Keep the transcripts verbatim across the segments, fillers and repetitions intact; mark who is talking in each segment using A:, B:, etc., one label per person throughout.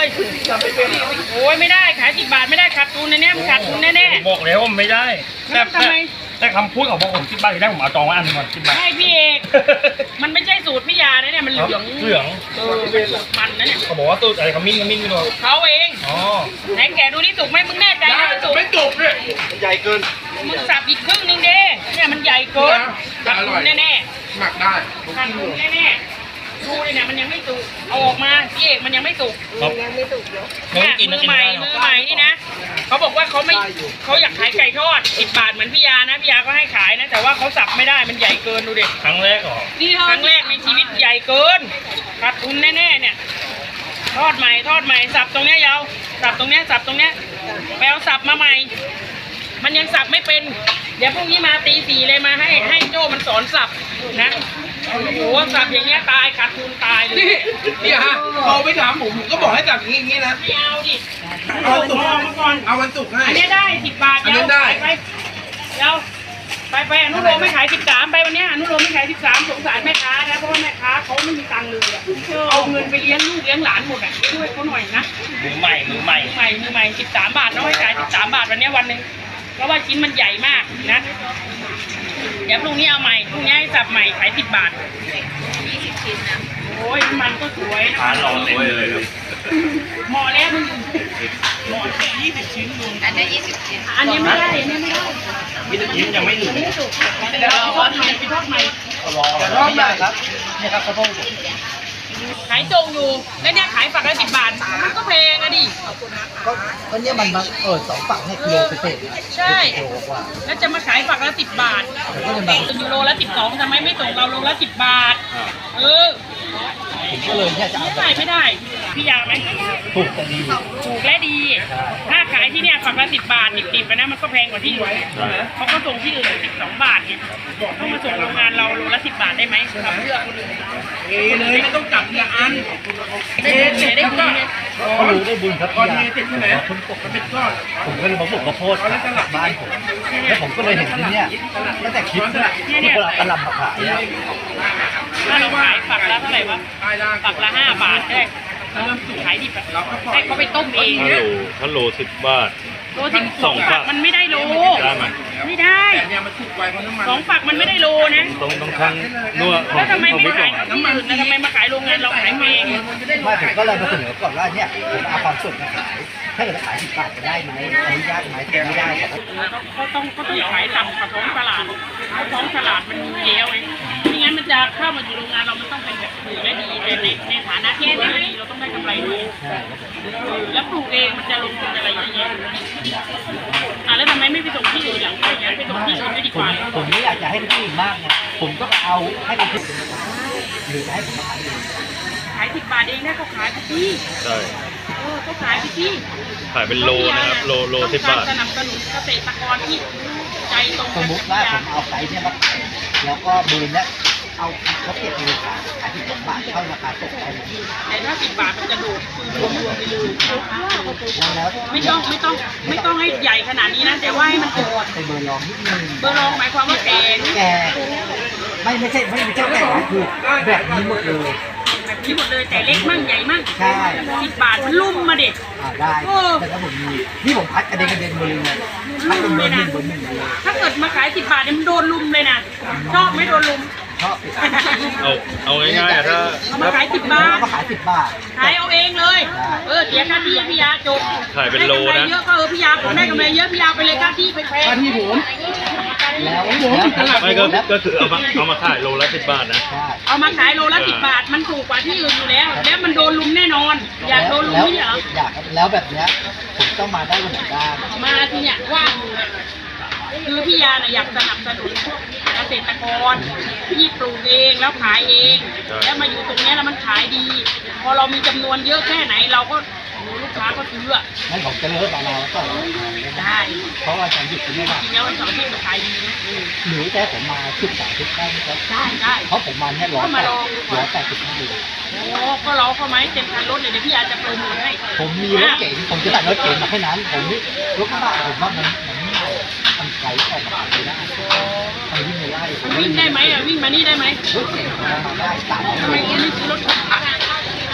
A: เลยโอ้ยไม่ได้ขายสิบบาทไม่ได้ขาดทุนในเนี้ยมันขาดทุนแน่ๆ
B: บอกแล้วว่าไม่ได้แต่
A: ทำไม
B: แต่คำพูดของพวกผมสิบบาทที่ได้ผมเอาจองไว้อันหนึงก่อนสิบบาท
A: ใช่พี่เอกมันไม่ใช่สูตรพี่ยานะเนี่ยมันเหลือง
B: เหลือง
A: เออเป็นสูตรมันนะเนี่ย
B: เขาบอกว่าตู้อะไรขมิ้นขมิ้นไม่รู้
A: เขาเอง
B: อ๋อ
A: ไหนแกะดูนี่สุกไหมมึงแน่ใจนะมันสุก
C: ไม่จุกเลยใหญ่เกิน
A: มึงสับอีกครึ่งนึงเด้เนี่ยมันใหญ่เกิน
C: แต่อร่อย
A: แน่
C: หมักได้
A: ๆขาดทุนแน่ๆดูเลยเนี่ยมันยังไม่สุกเอาออกมาพี่เอกมันยังไม่สุก
B: ครับ
D: ยังไม่สุกเยอะ
A: เนี่ยมือใหม่มือใหม่นี่นะเขาบอกว่าเขาไม่เขาอยากขายไก่ทอดสิบบาทเหมือนพี่ยานะพี่ยาก็ให้ขายนะแต่ว่าเขาสับไม่ได้มันใหญ่เกินดูดิ
B: ครั้งแรกเหรอ
A: ครั้งแรกในชีวิตใหญ่เกินขาดทุนแน่ๆเนี่ยทอดใหม่ทอดใหม่สับตรงเนี้ยยาวสับตรงเนี้ยสับตรงเนี้ยไปเอาสับมาใหม่ มันยังสับไม่เป็นเดี๋ยวพรุ่งนี้มาตีสี่เลยมาให้ให้โจ้มันสอนสับนะโอ้โหสับอย่างเงี้ยตายขาดทุนตายเลย
C: นี่นี่ฮะพอไปถามผมผมก็บอกให้จับอย่างนี้นะ
A: ไม่เอาดิ
C: เอาวันศุกร์
A: เอามาก่อน
C: เอาวันศุกร์ให้
A: อันนี้ได้สิบบาท
C: อันนี้ได้
A: ไปเดี๋ยวไปไปอนุโลมไม่ขายสิบสามไปวันเนี้ยอนุโลมไม่ขายสิบสามสงสารแม่ค้านะเพราะว่าแม่ค้าเขาไม่มีตังค์เลยอะเอาเงินไปเลี้ยงลูกเลี้ยงหลานหมดอ่ะช่วยเขาหน่อยนะ
B: มือใหม่มือใหม่
A: มือใหม่มือใหม่สิบสามบาทเนาะให้ขายสิบสามบาทวันเนี้ยวันหนึ่งเพราะว่าชิ้นมันใหญ่มากนะเดี๋ยวพรุ่งนี้เอาใหม่พรุ่งนี้ให้สับใหม่ขายสิบบาทยี่สิบชิ้นนะโอ้ยมันก็สวยนะ
B: ทานหล่อเลยครับ
A: เหมาะแล้วมึงเหมาะแค่ยี่สิบชิ้นลุง
D: อันนี้ยี่สิบชิ้น
A: อันนี้ไม่ได้อันนี้ไม่ได้
B: ยี่สิบชิ้นยังไม่ถึง
A: ไม่สุกเดี๋ยวเราทอดใหม่ไปทอดใหม่
B: รอรอบได้ครับนี่ครับข้าวโพด
A: ขายจงอยู่แล้วเนี่ยขายฝักละสิบบาทมันก็แพงอะดิ
E: ก็ก็เนี่ยมันมาเออสองฝั่งเนี่ยกิโลเศษๆ
A: ใช่
E: กิโลกว่า
A: แล้วจะมาขายฝักละสิบบาท
E: ผมก็เลยมา
A: ถึงยูโรละสิบสองทำไมไม่ส่งเราโลละสิบบาทเออ
E: ผมก็เลยเนี่ยจะเอา
A: ไม่
E: แบ
A: ได้
E: บ
A: ไม่ได้พี่ยาไหม
E: ถูกแต่ดี
A: ถูกและดี ถ้าขายที่เนี่ยฝักละสิบบาทดิบๆไปนะมันก็แพงกว่าที่อื่นเขาก็ส่งที่อื่นสิบสองบาทเนี่ยต้องมาส่งโรงงานเราโลละสิบบาทได้ไหมทำเพื่อคนอื่น
C: เอเลยไม่ต้องจับทีละอัน
A: ได้บุญเนี่ยได้บุญเนี่ย
E: ก็รู้ได้บุญครับ
C: ตอน
E: พี่
C: นี้
E: ยา
C: ติดที่ไหน
E: ผมตก
C: มันเป็นก้อน
E: ผมก็เลยมาปลูกข้าวโพดกลับบ้านผมแล้วผมก็เลยเห็นที่เนี่ยตั้งแต่คลิปเนี่ยที่คนเอากระหลำมาขายเนี่ย
A: ถ้าเราขายฝักละเท่าไหร่วะ
C: ได้ได้
A: ฝักละห้าบาทได้ขายดิบอะให้เขาไปต้มเอง
B: ฮัลโหลฮัลโหลสิบบาท
A: โลสิบสองฝักมันไม่ได้โล
B: ได้ไหม
A: ไม่ได้
C: แต่เนี่ยมันสุกไวเพราะน้ำมัน
A: สองฝักมันไม่ได้โลนะ
B: ต้องต้องทั้งนัวของ
A: แล้วทำไม
B: ของ
A: ไม่
B: พี่กล่
A: ขา
B: อย ง
A: ที่อื่นนะทำไมมาขายโรงงานเราขายเอง
E: ไม่ผมก็เลยมาเสนอก่อนว่าเนี่ยผมเอาความสดมาขายถ้าเกิดขายสิบบาทจะได้ไหมอนุญาตไหมถ้าไม่ได้ผมก็
A: เขาต้องเขาต้องขายต่ำกว่าท้องตลาดเพราะท้องตลาดมันมีเยอะไงไม่งั้นมันจะเข้ามาอยู่โรงงานเรามันต้องเป็นแบบถือได้ดีแต่ในในฐานะที่เราได้ดีเราต้องได้กำไรด้วยแล้วปลูกเองมันจะลงทุนอะไรเยอะแยะอ่ะแล้วทำไมไม่ไปส่งที่อื่นหลังไปงั้นไปส่งที่อื่นไม่ดีก
E: ผม
A: ว่า
E: ผมไม่อยากจะให้ที่อื่นมากไงผมก็เอาให้เป็นที่หรือจะให้ผมขายเอง
A: ขายสิบบาทเองนะเขาขายไปที่
B: ใช่
A: เออเขาขายไปที่
B: ขายเป็นโลนะครับโลโลสิบบาท
A: ต้องกรสนับสนุนเกษตรกรที่ใจตรง
E: สมมติว่าผมเอาไซส์เนี่ยมาขายแล้วก็บืนเนี่ยเอาเขาเก็บเองขายขายที่สองบาทเท่าราคาตกได้ไหม
A: แต่ถ้าสิบบาทมันจะโดดรวมรวมๆไปเลย
E: แล้วแล้ว
A: ไม่ต้องไม่ต้องไม่ต้องให้ใหญ่ขนาดนี้นะแต่ว่าให้มันโดด
E: ไปเบอร์ลองนิดนึง
A: เบอร์รองหมายความว่าแข็ง
E: แกไม่ไม่ใช่ไม่ใช่แกนะคือแบบนี้หมดเลย
A: แบบนี้หมดเลยแต่เล็กมั่งใหญ่มั่ง
E: ใช่
A: สิบบาทมันลุ่มมาเด็ก
E: อ่าได้แต่ถ้าผมมีนี่ผมพัดกระเด็นกระเด็นเบอร์เลยพัดเป็นเบอร์หนึ่งเบอร์หนึ่งเลย
A: ถ้าเกิดมาขายสิบบาทเนี่ยมันโดนลุมเลยนะชอบไหมโดนลุม
E: ชอบ
B: เอาเอาง่ายๆอะถ้า
A: เอามาขายสิบบาท
E: มาขายสิบบาท
A: ขายเอาเองเลย เออเสียค่าที่ให้พี่ยาจบ
B: ขายเป็นโล
A: ได้กำไร
B: นะ
A: เยอะก็เออพี่ยาผมได้กำไรเยอะพี่ยาไปเลยค่าที่ไปแพง
C: ถ้าที่ผม
E: แล้ว
B: ไม่ก็ก็คือเอามาเอามาขายโลละสิบบาทนะ
E: ใช่
A: เอามาขายโลละสิบบาทมันถูกกว่าที่อื่นอยู่แล้ว แล้วมันโดนลุมแน่นอน อยากโดนลุมนี่เหรอ
E: อยากแล้วแบบเนี้ยผมต้องมาได้วันไหนบ้าง
A: มาที่เนี่ยว่างอยู่เนี่ยคือพี่ยาน่ะอยากสนับสนุนพวกเกษตรกรที่ปลูกเองแล้วขายเอง แล้วมาอยู่ตรงเนี้ยแล้วมันขายดี พอเรามีจำนวนเยอะแค่ไหนเราก็โอ้ลูกค้าก็ซื้ออะ
E: งั้นผมจะเลิกมาเราแล้วก็
A: ได้
E: เพราะว่าฉันหยุดที่นี่ว่า
A: จริงแล้ววันเสาร์อาที่มันขายดีนะเออ
E: หรือแต่ผมมาชุดสามชุดได้ไหมครับ
A: ได้ได้
E: เพราะผมมาแค่ร้อยแปดร้อยแปดสิบห้าเลย
A: โอ้ก็เราเข้าไหมเต็มคันรถเลยเดี๋ยวพี่ยาจะโปรโมทให้
E: ผมมีรถเก๋งผมจะตัดรถเก๋งมาแค่นั้นผมนี่รถกระบะผมว่ามันมันไม่ได้มันไกลออกมาไม่ได้มันวิ่งไม่ได้ผม
A: วิ่งได้ไหมอ่ะวิ่งมานี่ได้ไหม
E: รถเก๋งมาได้สาม
A: ทำไมคุณไม่ซื้อรถขับ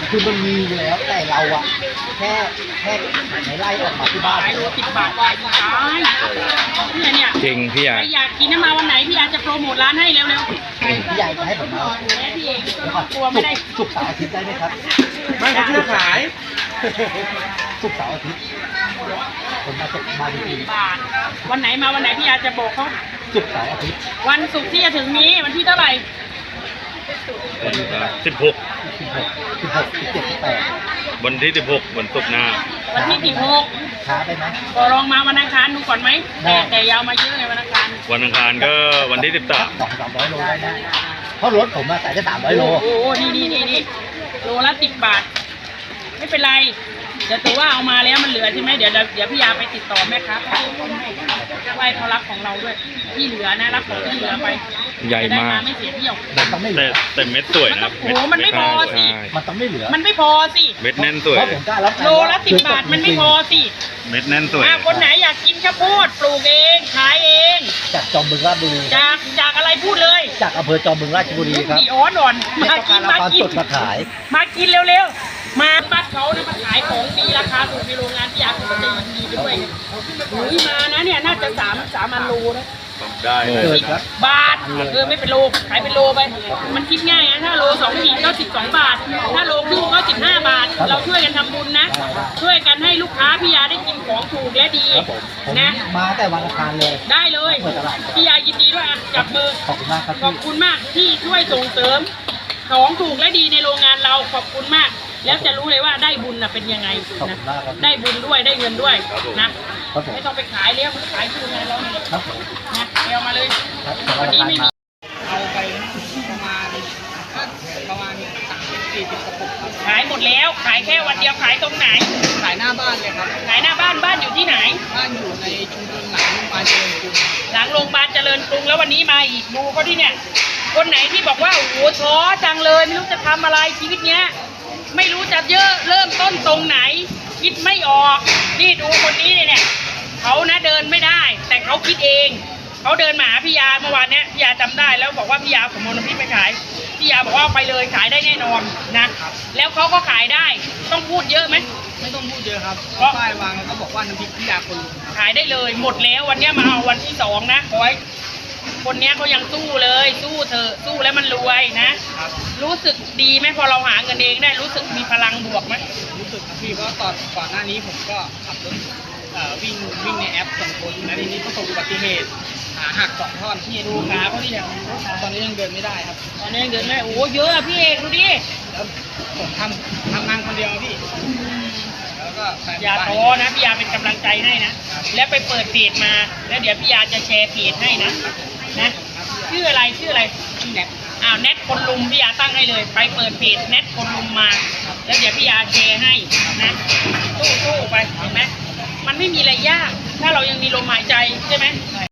E: คือมันมีอยู่แล้วแต่เราอะแค่แค่ในไล่ออกมาที่บ้าน
A: ขายโลสิบบาทวายตายเนี่ยเนี่ย
D: จริงพี่ใหญ่
A: ใครอยากกินน้ำมาวันไหนพี่อาจจะโปรโมทร้านให้เร็ว
E: พี่ใหญ่จะให้ผมมา
A: ๆแม่พี่เอง
E: เดี๋ยวก่อน
A: กลัวไม่ได้
E: ศุกร์เสาร์อาทิตย์ได้ไหมครับ
C: ไม่เขาชื่อขาย
E: ศุกร์เสาร์อาทิตย์ผมมาจะมาดี
A: บาทวันไหนมาวันไหนพี่อาจจะบอกเขา
E: ๆศุกร์เสาร์อาทิตย์
A: วันศุกร์ที่จะถึงนี้วันที่เท่าไหร่
B: สิบหก
E: สิบหกสิบหกสิบเจ็ดสิบแปด
B: วันที่สิบหกวันศุกร์หน้า
A: วันที่สิบหก
E: ช้าไปไหม
A: ก็ลองมาวันอังคารดูก่อนไหมแต่แต่อยาวมาเยอะไงวันอังคาร
B: วันอังคารก็วันที่สิบสาม
E: สองสามร้อยโลได้นะเพราะรถผมมาใส่ได้สามร้อยโล
A: โอ้โหนี่นี่นี่นี่โลละสิบบาท ไม่เป็นไรเดี๋ยวถือว่าเอามาแล้วมันเหลือใช่ไหมเดี๋ยวเดี๋ยวเดี๋ยวพี่ยาไปติดต่อแม่ค้าเขาไว้เขารับของเราด้วยที่เหลือนะรับของที่เหลือไป
D: ใหญ่
A: จะได้
D: มาก
A: ไม่เสียเที่ยว
E: มันต้องไม่เห
B: แต่
E: ลือ
B: แต่เม็ดสวยนะครับ
A: โอ้โหมันไม่พอสิ
D: ใช่
E: มันต้องไม่เหลือ
A: มันไม่พอสิ
B: เม็ดแน่นสวย
E: เพราะผมกล้ารับ
A: โลละสิบบาทมันไม่พอสิ
B: เม็ดแน่นสวย
A: อ่ะคนไหนอยากกินข้าวโพดปลูกเองขายเอง
E: จากจอมบึงราชบุรี
A: จากจากอะไรพูดเลย
E: จากอำเภอจอมบึงราชบุรีครับ
A: ดีอ้อนอ่อนมา
E: ต้อง
A: กิ
E: การ
A: น
E: เอา
A: มา
E: ความ
A: กิน
E: สดมาขาย
A: มากินเร็วๆ มาบ้านเขานะมาขายของดีราคาถูกในโรงงานที่อยากจะยินดีไปด้วยอุ้ยมานะเนี่ยน่าจะสามสามอันโลนะ
B: ได้
E: เกินครับ
A: บาทเออไม่เป็นโลขายเป็นโลไป มันคิดง่ายนะถ้าโลสองขีดก็สิบสองบาท ถ้าโลครึ่งก็สิบห้าบาท เราช่วยกันทำบุญนะ ช่วยกันให้ลูกค้าพี่ยาได้กินของถูกและดี
E: ครับผมผม
A: นะ
E: มาแต่วันอังคารเลย
A: ได้เลยพี่ยายินดีด้วยอ่ะจับมือ
E: ขอบคุณมากครับ
A: ขอบคุณมากที่ช่วยส่งเสริม ของถูกและดีในโรงงานเราขอบคุณมาก แล้วจะรู้เลยว่าได้บุญน่ะเป็นยังไง
E: ขอบคุ
A: นะ
E: ณมากครับ
A: ได้บุญด้วยได้เงินด้วยนะครับ
E: ผม
A: ไม่ต้องไปขายเลี้ยงขายที่โรงงานเราเนี่ย
E: ครับผม
A: นะเอามาเลย
E: ครับ
A: วันนี้ไม่มี
C: เอาไปประมาณประมาณสามสิบสี่สิบกระปุกครับ
A: ขายหมดแล้ว ขายแค่วันเดียวขายตรงไหน
C: ขายหน้าบ้านเลยครับ
A: ขายหน้าบ้านบ้านอยู่ที่ไหน
C: บ้านอยู่ในชุมชนหลังโรงพยาบาลเจริญกรุง
A: หลังโรงพยาบาลเจริญกรุงแล้ววันนี้มาอีกดูเขาที่เนี่ย คนไหนที่บอกว่าโอ้โหท้อจังเลยไม่รู้จะทำอะไรชีวิตเนี้ย ไม่รู้จะเยอะเริ่มต้นตรงไหน คิดไม่ออก นี่ดูคนนี้เนี่ยเขานะเดินไม่ได้ แต่เขาคิดเองเขาเดินมาหาพี่ยาเมื่อวานเนี้ยพี่ยาจำได้แล้วบอกว่าพี่ยาผมเอาน้ำพริกไปขายพี่ยาบอกว่าเอาไปเลยขายได้แน่นอนนะแล้วเขาก็ขายได้ต้องพูดเยอะไหม
C: ไม่ต้องพูดเยอะครับ
A: เพราะ
C: ป้ายวางแล้วก็บอกว่าน้ำพริกพิยาคนลุงครับ
A: ขายได้เลยหมดแล้ววันเนี้ยมาเอาวันที่สองนะขอให้คนเนี้ยเขายังสู้เลยสู้เธอะสู้แล้วมันรวยนะ
C: ครับ
A: รู้สึกดีไหมพอเราหาเงินเองได้รู้สึกมีพลังบวกไหม
C: รู้สึกครับพี่เพราะตอนก่อนหน้านี้ผมก็ขับรถเอ่อวิ่งวิ่งในแอปสองคนแล้วทีนี้ประสบอุบัติเหตุขาหักสองท่อน
A: นี่ดูขาเขาที่เนี่ย
C: ตอนนี้ยังเดินไม่ได้ครับ
A: ตอนนี้ยังเดินไม่โอ้โหเยอะอะพี่เอกดูดิ
C: แล้วผมทำทำงานคนเดียวพี่ แล้วก็แฟน
A: อย่า
C: บ้น
A: ท้อนะพี่ยาเป็นกำลังใจให้นะแล้วไปเปิดเพจมา แล้วเดี๋ยวพี่ยาจะแชร์เพจให้นะนะชื่ออะไรชื่ออะไร
C: ที่แน็ต
A: อ้าวแนทคนลุมพี่ยาตั้งให้เลย ไปเปิดเพจแนทคนลุมมา แล้วเดี๋ยวพี่ยาแชร์ให้นะสู้ๆไปเห็นไหมมันไม่มีอะไรยาก ถ้าเรายังมีลมหายใจใช่ไหม